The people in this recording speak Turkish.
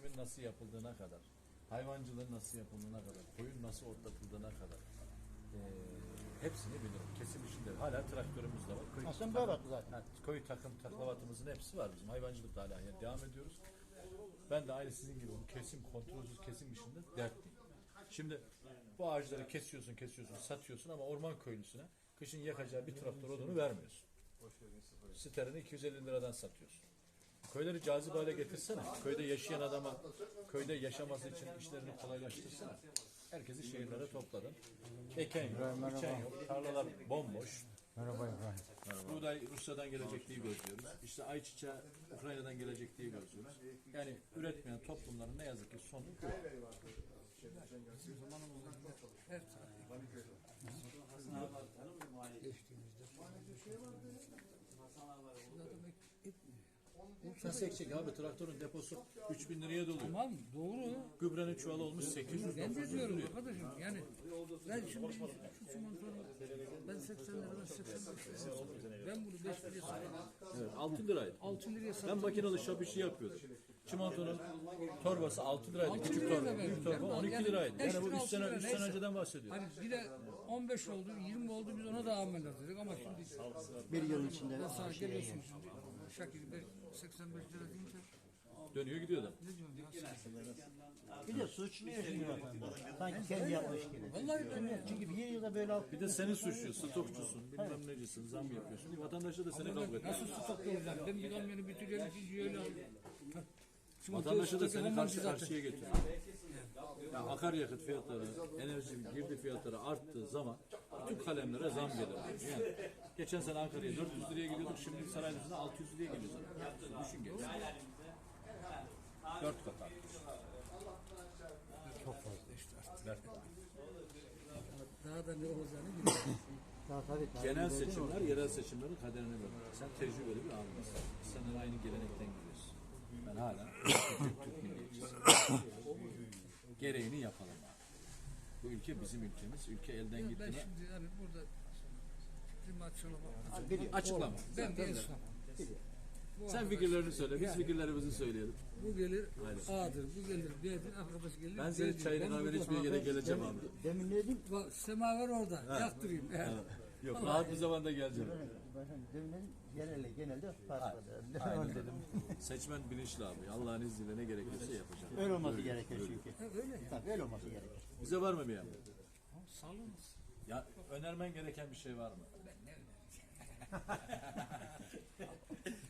kesimin nasıl yapıldığına kadar, hayvancılığın nasıl yapıldığına kadar, koyun nasıl otlatıldığına kadar hepsini bilirim. Kesim işinde hala traktörümüz de var. Aslında böyle baktı zaten. Köy takım taklavatımızın hepsi var bizim. Hayvancılıkla hala devam ediyoruz. Ben de aynı sizin gibi bu kesim, kontrolsüz kesim işinde dertliyim. Şimdi bu ağaçları kesiyorsun, satıyorsun ama orman köylüsüne kışın yakacağı bir traktör odunu vermiyorsun. Sterini 250 liradan satıyorsun. Köyleri cazip hale getirsene. Köyde yaşayan adama, köyde yaşaması için işlerini kolaylaştırsana. Herkesi şehirlere topladın. Eken yok, biçen yok. Tarlalar bomboş. Merhaba İbrahim. Buğday Rusya'dan gelecek diye gözlüyoruz. İşte ayçiçeği Ukrayna'dan gelecek diye gözlüyoruz. Yani üretmeyen toplumların ne yazık ki sonu bu. Nasıl ekecek abi? Traktörün deposu 3000 liraya doluyor. Tamam doğru. Gübrenin çuvalı olmuş 800 Ben de 900 diyorum liraya. arkadaşım yani ben şimdi şu çimentonu ben 80 liradan 85 liraya satıyorum. Ben bunu 5 liraya satıyorum. Evet, 6 liraydı. 6 liraya Ben satıyorum. makinalı şap işi yapıyordum. Çimentonun torbası 6 liraydı. 6 Küçük liraya torba. da Büyük verdim. torba Ben 12 yani liraydı. beş Yani bu lira, 3 altı sene, lira 3 sene neyse. önceden bahsediyorum. Hani bir de 15 oldu, 20 oldu biz ona da amel dedik ama şimdi Bir yıl içinde ben sana geliyorsun şimdi. Şakir 85 lira deyince Dönüyor gidiyor da. ne diyorsun ya? bir de suçluyor şimdi vatandaş. Sanki kendi yapmış gibi. Vallahi ben Çünkü bir yılda böyle alt Bir de seni suçluyor. Stokçusun, bilmem necisin, zam yapıyorsun. Vatandaşla da seni kavga ediyor. nasıl stokta olacağım? Ben bir kamyonu bitiriyorum, ikinci öyle alıyorum. Vatandaşı da seni karşıya getiriyor. Ya akaryakıt fiyatları, enerji girdi fiyatları arttığı zaman tüm kalemlere zam gelir. Yani geçen sene Ankara'ya 400 liraya gidiyorduk, şimdi Saraylı'sına 600 liraya geliyor zaten. Düşün geç. 4 kat artmış. Çok fazla işte artık. 4 kat. Daha da ne olacağını bilmiyorum. daha tabii. Genel seçimler, yerel seçimlerin kaderini belirler. Sen tecrübeli bir ağabeysin. Senin aynı gelenekten geliyorsun. Ben hala Türk milliyetçisiyim. Gereğini yapalım abi. Bu ülke bizim ülkemiz. Ülke elden Ben gitti mi? şimdi yani burada fikrimi açıklamam. Biliyor. Açıklama. Ben bir esnafım. Bu Sen arkadaş- fikirlerini söyle. Biz Yani fikirlerimizi söyleyelim. Bu gelir Aynen. A'dır, bu gelir B'dir, arkadaş gelir Ben C'dir. senin çayını Ben kahveni burada- içmeye yere geleceğim abi. Demin ne dedim? Bak, semaver orada, yaktırayım. Yok, rahat bir zamanda geleceğim. Demin dedim genelde farklı. Aynen dedim. Seçmen bilinçli abi. Allah'ın izniyle ne gerekiyorsa yapacağım. Öyle olması gerekir çünkü. Öyle ya. Tabii öyle olması gerekir. Bize var mı bir emri? Sağlığınız. Ya önermen gereken bir şey var mı? Ben ne önereceğim?